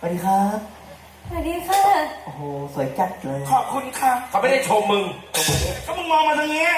สวัสดีครับสวัสดีค่ะโอ้โหสวยจัดเลยขอบคุณค่ะเขาไม่ได้ชมมึงก็มึงมองมาทางนี้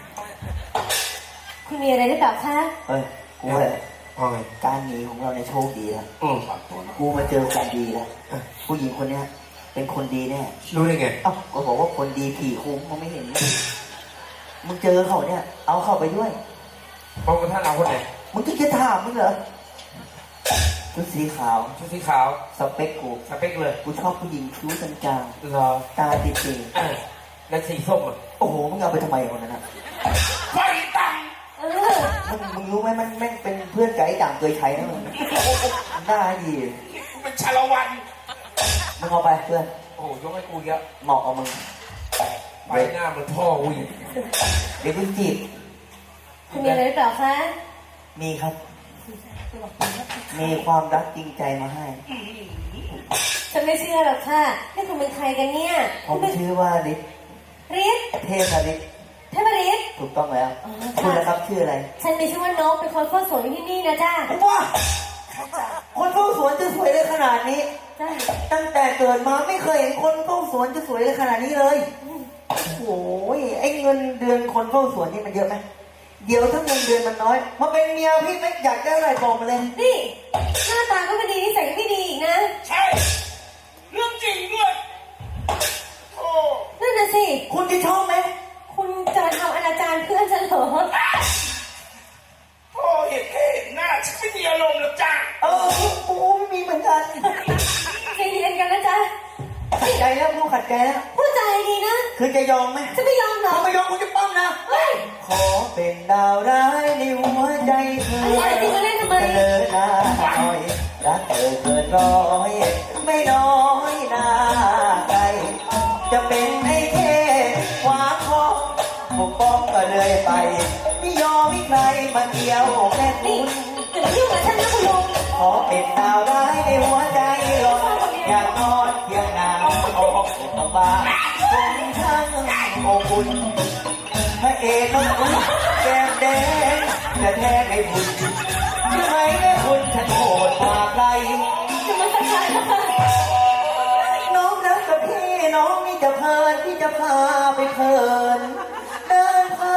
คุณมีอะไรหรือเปล่าคะเฮ้ยกูเลยการหนีของเราในโชคดีแล้วกูมาเจอคนดีแล้วผู้หญิงคนเนี้ยเป็นคนดีแน่รู้ได้ไงเอ้าก็บอกว่าคนดีผีคุ้มมันไม่เห็นมึงเจอเขาเนี่ยเอาเข้าไปด้วยเพราะว่าท่านเอาคนไหนมึงจะถามมึงเหรอชุดสีขาวสเปคกูเลยกูชอบผู้หญิงคิ้วจางรอตาติดแล้วสีส้มอ่ะโอ้โหมึงเอาไปทำไมคนนั้นอ่ะไฟตังมึงรู้ไหมมันแม่งเป็นเพื่อนไก่ต่างเคยใช้นะมึงหน้าดีเป็นชาละวันมึงเอาไปเพื่อนโอ้ยกให้กูเยอะเหมาะกับมึงไปหน้าเหมือนพ่อกูอีกเดี๋ยวคุณจีบคุณมีอะไรหรือเปล่าคะมีครับมีความรักจริงใจมาให้ฉันไม่เชื่อหรอกค่ะนี่คุณเป็นใครกันเนี่ยผมชื่อว่าฤทธิ์เทพฤทธิ์ถูกต้องแล้วคุณนะครับชื่ออะไรฉันมีชื่อว่านกเป็นคนเฝ้าสวนที่นี่นะจ้าว้าคนเฝ้าสวนจะสวยได้ขนาดนี้ตั้งแต่เกิดมาไม่เคยเห็นคนเฝ้าสวนจะสวยได้ขนาดนี้เลยโอ้ยไอ้เงินเดือนคนเฝ้าสวนนี่มันเยอะไหมเดี๋ยวถ้าเงินเดือนมันน้อยมาเป็นเมียพี่ไม่อยากได้อะไรบอกมาเลยนี่หน้าตาก็ไม่ดีนิสัยก็ไม่ดีอีกนะใช่เรื่องจริงด้วยโอ้นั่นน่ะสิคุณจะชอบไหมคุณจะมาทำอนาจารเพื่อนฉันเหรอโอ้เห็นหน้าฉันไม่มีอารมณ์หรอกจ้ากูไม่มีเหมือนกันใจเย็นกันนะจ๊ะขัดใจแล้วกูขัดใจแล้วพูดใจดีนะคือจะยอมไหมจะไม่ยอมหรอถ้าไม่ยอมกูจะป้อมนะขอเป็นดาวร้ายในหัวใจเธออะไรจริงมาเล่นทำไมเธอหน้าหน่อยรักเธอเกินร้อยไม่น้อยหน้าใครจะเป็นไอ้เท่ขวาคอปกป้องก็เลยไปไม่ยอมให้ใครมาเกี่ยวแค่คุณอย่ายุ่งกับฉันนะคุณลุงขอเป็นดาวร้ายในหัวใจหลงอยากนอนเพียงนางออกจากบ้านคงช่างอบอุ่นพระเอกน้องคุณแก้มแดงแต่แท้ไม่บุญทำไมแม่คุณฉันโหดกว่าใครจะมาสักการะน้องรักกับพี่น้องนี่จะเพลินพี่จะพาไปเพลินเดินพา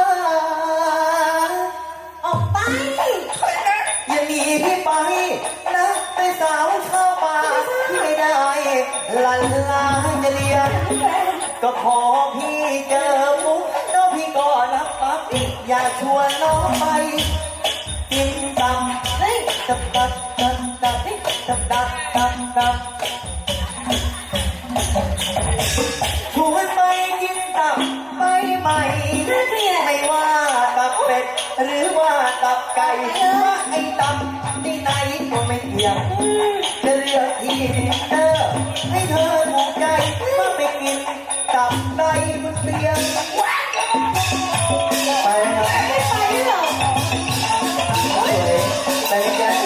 ออกไปอย่าหนีพี่ไปนะไปสาวชาวป่าที่ไม่ได้ลันลาจะเรียนก็ขอพี่เจอมุกน้องพี่ก็รับปั๊บอยากชวนน้องไปกินตับตับตับตับตับตับตับตับตับชวนไปกินตับไปใหม่ไม่ว่าตับเป็ดหรือว่าตับไก่ว่าไอ้ตับที่ไหนก็ไม่เกี่ยงจะเลือกที่เธอให้เธอถูกใจมาไปกินตับในบนเตียงไปนะไม่ไปหรอกไปกัน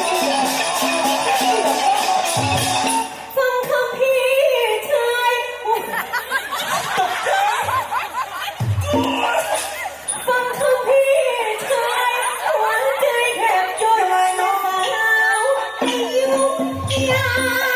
ฟังคำพี่ชายฟังคำพี่ชายหัวใจแทบจนไม่น้องสาวยุ่งยาก